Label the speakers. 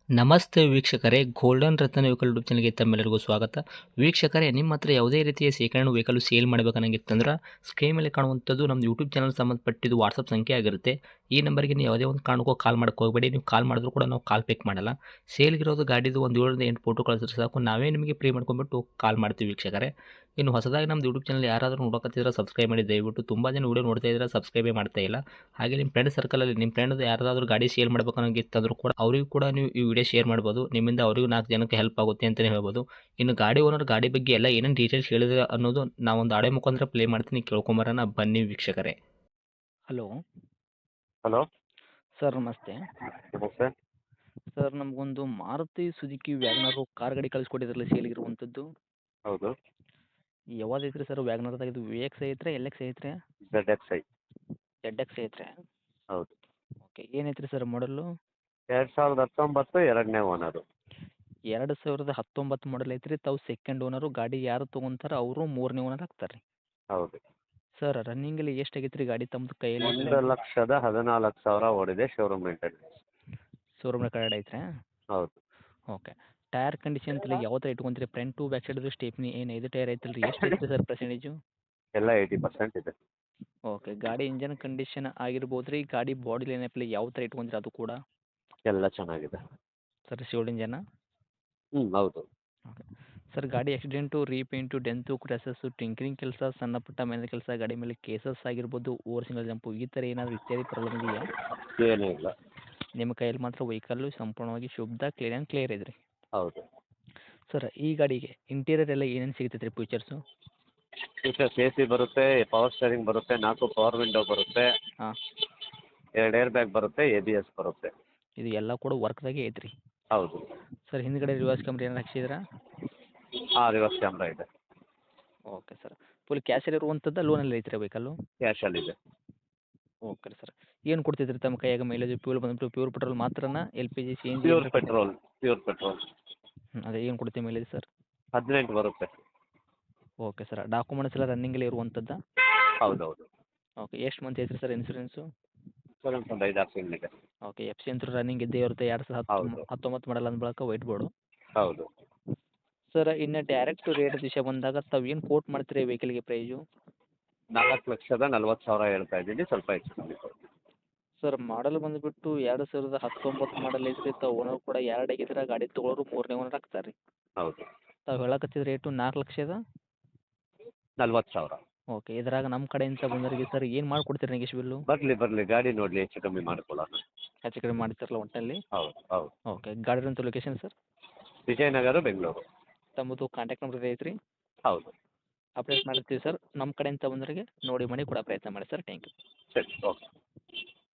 Speaker 1: ನಮಸ್ತೆ ವೀಕ್ಷಕರೇ, ಗೋಲ್ಡನ್ ರತ್ನ vehicle YouTube ಚಾನಲ್ಗೆ ತಮ್ಮೆಲ್ಲರಿಗೂ ಸ್ವಾಗತ. ವೀಕ್ಷಕರೇ, ನಿಮ್ಮ ಹತ್ರ ಯಾವುದೇ ರೀತಿಯ ಶೇಖರಣೆ ವೆಹಿಕಲ್ ಸೇಲ್ ಮಾಡಬೇಕನ್ನಂಗಿತ್ತಂದ್ರೆ ಸ್ಕ್ರೀನ್ ಮೇಲೆ ಕಾಣುವಂಥದ್ದು ನಮ್ಮ ಯೂಟ್ಯೂಬ್ ಚಾನಲ್ ಸಂಬಂಧಪಟ್ಟಿದ್ದು ವಾಟ್ಸಪ್ ಸಂಖ್ಯೆ ಆಗಿರುತ್ತೆ. ಈ ನಂಬರ್ಗೆ ನೀವು ಯಾವುದೇ ಒಂದು ಕಾರಣಕ್ಕೂ ಕಾಲ್ ಮಾಡಕ್ಕೆ ಹೋಗಬೇಡಿ. ನೀವು ಕಾಲ್ ಮಾಡಿದ್ರು ಕೂಡ ನಾವು ಕಾಲ್ ಪಿಕ್ ಮಾಡಲ್ಲ. ಸೇಲ್ಗಿರೋದು ಗಾಡಿದು ಒಂದು 7ರಿಂದ 8 ಫೋಟೋ ಕಳಿಸಿದ್ರೆ ಸಾಕು, ನಾವೇ ನಿಮಗೆ ಪ್ರೀ ಮಾಡ್ಕೊಂಡ್ಬಿಟ್ಟು ಕಾಲ್ ಮಾಡ್ತೀವಿ ವೀಕ್ಷಕರೇ. ಇನ್ನು ಹೊಸದಾಗಿ ನಮ್ಮದು ಯೂಟ್ಯೂಬ್ ಚಾನಲ್ ಯಾರಾದರೂ ನೋಡೋಕತ್ತಿದ್ರೆ ಸಬ್ಸ್ಕ್ರೈಬ್ ಮಾಡಿ ದಯವಿಟ್ಟು. ತುಂಬ ಜನ ವೀಡಿಯೋ ನೋಡ್ತಾ ಇದ್ದಾರೆ, ಸಬ್ಸ್ಕ್ರೈಬೇ ಮಾಡ್ತಾ ಇಲ್ಲ. ಹಾಗೆ ನಿಮ್ಮ ಫ್ರೆಂಡ್ ಸರ್ಕಲಲ್ಲಿ ನಿಮ್ಮ ಫ್ರೆಂಡ್ ಯಾರಾದರೂ ಗಾಡಿ ಸೇಲ್ ಮಾಡಬೇಕನ್ನೋಂಗಿತ್ತಂದ್ರೂ ಕೂಡ ಅವರಿಗೂ ಕೂಡ ನೀವು ಈ ವಿಡಿಯೋ ಶೇರ್ ಮಾಡ್ಬೋದು. ನಿಮ್ಮಿಂದ ಅವರಿಗೂ 4 ಜನಕ್ಕೆ ಹೆಲ್ಪ್ ಆಗುತ್ತೆ ಅಂತಲೇ ಹೇಳ್ಬೋದು. ಇನ್ನು ಗಾಡಿ ಓನರ್ ಗಾಡಿ ಬಗ್ಗೆ ಎಲ್ಲ ಏನೇನು ಡೀಟೇಲ್ಸ್ ಹೇಳಿದ್ರೆ ಅನ್ನೋದು ನಾವೊಂದು ಆಡಿಯೋ ಮುಖಾಂತರ ಪ್ಲೇ ಮಾಡ್ತೀನಿ, ಕೇಳ್ಕೊಂಬರೋಣ ಬನ್ನಿ ವೀಕ್ಷಕರೇ. ಹಲೋ
Speaker 2: ಹಲೋ
Speaker 1: ಸರ್, ನಮಸ್ತೆ.
Speaker 2: ನಮಸ್ತೆ.
Speaker 1: ಸರ್, ನಮಗೊಂದು ಮಾರುತಿ ಸುಜುಕಿ ವ್ಯಾಗನರು ಕಾರ್ ಗಾಡಿ ಕಳಿಸ್ಕೊಟ್ಟಿದ್ರಲ್ಲ ಸೇಲಿಗಿರುವಂಥದ್ದು,
Speaker 2: ಹೌದು.
Speaker 1: ಯಾವ್ದು ಐತ್ರಿ ಸರ್? ವ್ಯಾಗನರ್ದಾಗ ಇದು V X i three, L X i three,
Speaker 2: ZXi.
Speaker 1: Z X i three?
Speaker 2: ಹೌದು.
Speaker 1: ಓಕೆ, ಏನೈತ್ರಿ ಸರ್ ಮಾಡಲು?
Speaker 2: 2019 ಎರಡನೇ ಓನರು.
Speaker 1: 2019 ಮಾಡಲ್ ಐತ್ರಿ. ತಾವು ಸೆಕೆಂಡ್ ಓನರು. ಗಾಡಿ ಯಾರು ತೊಗೊಂತಾರ ಅವರು 3ನೇ ಓನರ್ ಆಗ್ತಾರೆ ರೀ.
Speaker 2: ಹೌದು.
Speaker 1: ಸರ್, ರನ್ನಿಂಗಲ್ಲಿ ಎಷ್ಟು ಆಗೈತೆ ರೀ ಗಾಡಿ ತಮ್ಮದು ಕೈಯಲ್ಲಿ?
Speaker 2: 1,14,000 ಓಡಿದೆ. Showroom maintenance.
Speaker 1: ಶೋರೂಮ್ ರೆಕಾರ್ಡ್ ಐತ್ರಿ?
Speaker 2: ಹೌದು.
Speaker 1: ಓಕೆ. ಟೈರ್ ಕಂಡೀಷನ್ ಎಲ್ಲ ಯಾವ ಥರ ಇಟ್ಕೊಂತೀರಿ? Front to back side stepney ಏನು 5 ಟೈರ್ ಐತಲ್ಲ ರೀ, ಎಷ್ಟು ಐತ್ರಿ ಸರ್ ಪರ್ಸೆಂಟೇಜು?
Speaker 2: ಎಲ್ಲ 80% ಇದೆ.
Speaker 1: ಓಕೆ. ಗಾಡಿ ಇಂಜನ್ ಕಂಡೀಷನ್ ಆಗಿರ್ಬೋದು ರೀ, ಗಾಡಿ ಬಾಡಿ ಲೈನಪ್ಪಲ್ಲಿ ಯಾವ ಥರ ಇಟ್ಕೊಂತೀರಿ ಅದು ಕೂಡ?
Speaker 2: ಎಲ್ಲ ಚೆನ್ನಾಗಿದೆ.
Speaker 1: ಸರ್, ಶಿವಡ್ ಇಂಜನ?
Speaker 2: ಹೌದು.
Speaker 1: ಓಕೆ. ಸರ್, ಗಾಡಿ accident, repaint, dent, crashes, tinkering ಕೆಲಸ, ಸಣ್ಣ ಪುಟ್ಟ ಮನೆ ಕೆಲಸ, ಗಾಡಿ ಮೇಲೆ ಕೇಸಸ್ ಆಗಿರ್ಬೋದು, ಓವರ್ ಸಿಂಗಲ್ ಜಂಪು, ಈ ಥರ ಏನಾದರೂ ಇತ್ಯಾದಿ ಪ್ರಾಬ್ಲಮ್ ಇದೆಯಾ?
Speaker 2: ಏನೂ ಇಲ್ಲ.
Speaker 1: ನಿಮ್ಮ ಕೈಯಲ್ಲಿ ಮಾತ್ರ ವೆಹಿಕಲ್ಲು ಸಂಪೂರ್ಣವಾಗಿ ಶುದ್ಧ ಕ್ಲಿಯರ್ ಇದೆ ರೀ?
Speaker 2: ಹೌದು.
Speaker 1: ಸರ್, ಈ ಗಾಡಿಗೆ ಇಂಟೀರಿಯರ್ ಎಲ್ಲ ಏನೇನು ಸಿಗ್ತೈತೆ ರೀ ಫೀಚರ್ಸು?
Speaker 2: ಫೀಚರ್ಸ್ AC ಬರುತ್ತೆ, ಪವರ್ ಸ್ಟೇರಿಂಗ್ ಬರುತ್ತೆ, 4 ಪವರ್ ವಿಂಡೋ ಬರುತ್ತೆ,
Speaker 1: ಹಾಂ.
Speaker 2: 2 ಏರ್ ಬ್ಯಾಗ್ ಬರುತ್ತೆ, ABS ಬರುತ್ತೆ.
Speaker 1: ಇದು ಎಲ್ಲ ಕೂಡ ವರ್ಕ್ದಾಗೆ ಐತ್ರಿ?
Speaker 2: ಹೌದು.
Speaker 1: ಸರ್, ಹಿಂದ್ಗಡೆ ರಿವರ್ಸ್ ಕ್ಯಾಮ್ರಾ ಏನಾರು ಹಾಕ್ಸಿದ್ರಾ?
Speaker 2: ರಿವರ್ಸ್ ಕ್ಯಾಮ್ರಾ ಇದೆ.
Speaker 1: Okay sir. ಫುಲ್ ಕ್ಯಾಶಲ್ಲಿ ಇರುವಂಥದ್ದು, ಲೋನಲ್ಲಿ ಐತ್ರಿ ವೆಹಿಕಲ್ಲು?
Speaker 2: ಕ್ಯಾಶಲ್ಲಿದೆ.
Speaker 1: ಓಕೆ ರೀ ಸರ್. ಏನು ಕೊಡ್ತೈತೆ ರೀ ತಮ್ಮ ಕೈಯಾಗ ಮೈಲೇಜ್? ಫ್ಯೂಲ್ ಬಂದ್ಬಿಟ್ಟು ಪ್ಯೂರ್ ಪೆಟ್ರೋಲ್ ಮಾತ್ರನಾ, LPG, CNG?
Speaker 2: Pure petrol.
Speaker 1: ಅದೇ ಏನು ಕೊಡುತ್ತೆ ಮೈಲೇಜ್ ಸರ್?
Speaker 2: 18 ಬರುತ್ತೆ.
Speaker 1: Okay sir. ಡಾಕ್ಯುಮೆಂಟ್ಸ್ ಎಲ್ಲ ರನ್ನಿಂಗಲ್ಲಿ ಇರುವಂಥದ್ದಾ?
Speaker 2: ಹೌದೌದು.
Speaker 1: ಓಕೆ. ಎಷ್ಟು ಮಂತ್ ಐತ್ರಿ ಸರ್ ಇನ್ಸೂರೆನ್ಸು?
Speaker 2: ಇನ್ಸೂರೆನ್ಸ್ ಒಂದು 5-6 ತಿಂಗಳಿದೆ.
Speaker 1: ಓಕೆ. ಎಫ್ ಸಿ ಅಂತೂ ರನ್ನಿಂಗ್ ಇದ್ದೇ ಇರುತ್ತೆ. 2019 ಮಾಡಲ್ ಅಂದ ಬಳಿಕ ವೈಟ್ ಬೋರ್ಡು.
Speaker 2: ಹೌದು.
Speaker 1: ಸರ್, ಇನ್ನು ಡೈರೆಕ್ಟ್ ರೇಟ್ ವಿಷಯ ಬಂದಾಗ ತಾವು ಏನು ಕೋಟ್ ಮಾಡ್ತೀರಿ ವೆಹಿಕಲ್ಗೆ ಪ್ರೈಸು?
Speaker 2: 4,40,000 ಹೇಳ್ತಾ ಇದ್ದೀನಿ. ಸ್ವಲ್ಪ ಹೆಚ್ಚು ಕಮ್ಮಿ ಕೊಡಿ.
Speaker 1: ಸರ್, ಮಾಡಲ್ ಬಂದುಬಿಟ್ಟು 2019 ಮಾಡಲ್ ಐತ್ರಿ. ತಾವು ಓನರ್ ಕೂಡ 2 ಆಗಿದ್ರೆ, ಗಾಡಿ ತೊಗೊಳೋರು 3ನೇ ಓನರ್ ಆಗ್ತಾರೆ ರೀ.
Speaker 2: ಹೌದು.
Speaker 1: ತಾವು ಹೇಳಕತ್ತಿದ ರೇಟು 4,40,000?
Speaker 2: 40,000.
Speaker 1: ಓಕೆ. ಇದ್ರಾಗ ನಮ್ಮ ಕಡೆಯಿಂದ ಬಂದವರಿಗೆ ಸರ್ ಏನು ಮಾಡಿಕೊಡ್ತೀರಿ ನೆಗೆಶ್ಬಿಲ್ಲು?
Speaker 2: ಬರಲಿ ಗಾಡಿ ನೋಡಲಿ, ಹೆಚ್ಚು ಕಮ್ಮಿ ಮಾಡ್ಕೊಳ್ಳೋಣ.
Speaker 1: ಹೆಚ್ಚು ಕಡಿಮೆ ಮಾಡ್ತಿರಲ್ಲ ಒಟ್ಟಿನಲ್ಲಿ?
Speaker 2: ಹೌದು.
Speaker 1: ಓಕೆ. ಗಾಡಿ ಇರೋಂಥ ಲೊಕೇಶನ್ ಸರ್?
Speaker 2: ವಿಜಯನಗರ, ಬೆಂಗಳೂರು.
Speaker 1: ತಮ್ಮದು ಕಾಂಟ್ಯಾಕ್ಟ್ ನಂಬರ್ ಐತ್ರಿ?
Speaker 2: ಹೌದು.
Speaker 1: ಅಪ್ಡೇಟ್ ಮಾಡಿರ್ತೀವಿ ಸರ್. ನಮ್ಮ ಕಡೆಯಿಂದ ಬಂದವರಿಗೆ ನೋಡಿ ಮಾಡಿ ಕೊಡೋ ಪ್ರಯತ್ನ ಮಾಡಿ ಸರ್. Thank you.
Speaker 2: ಸರಿ, ಓಕೆ.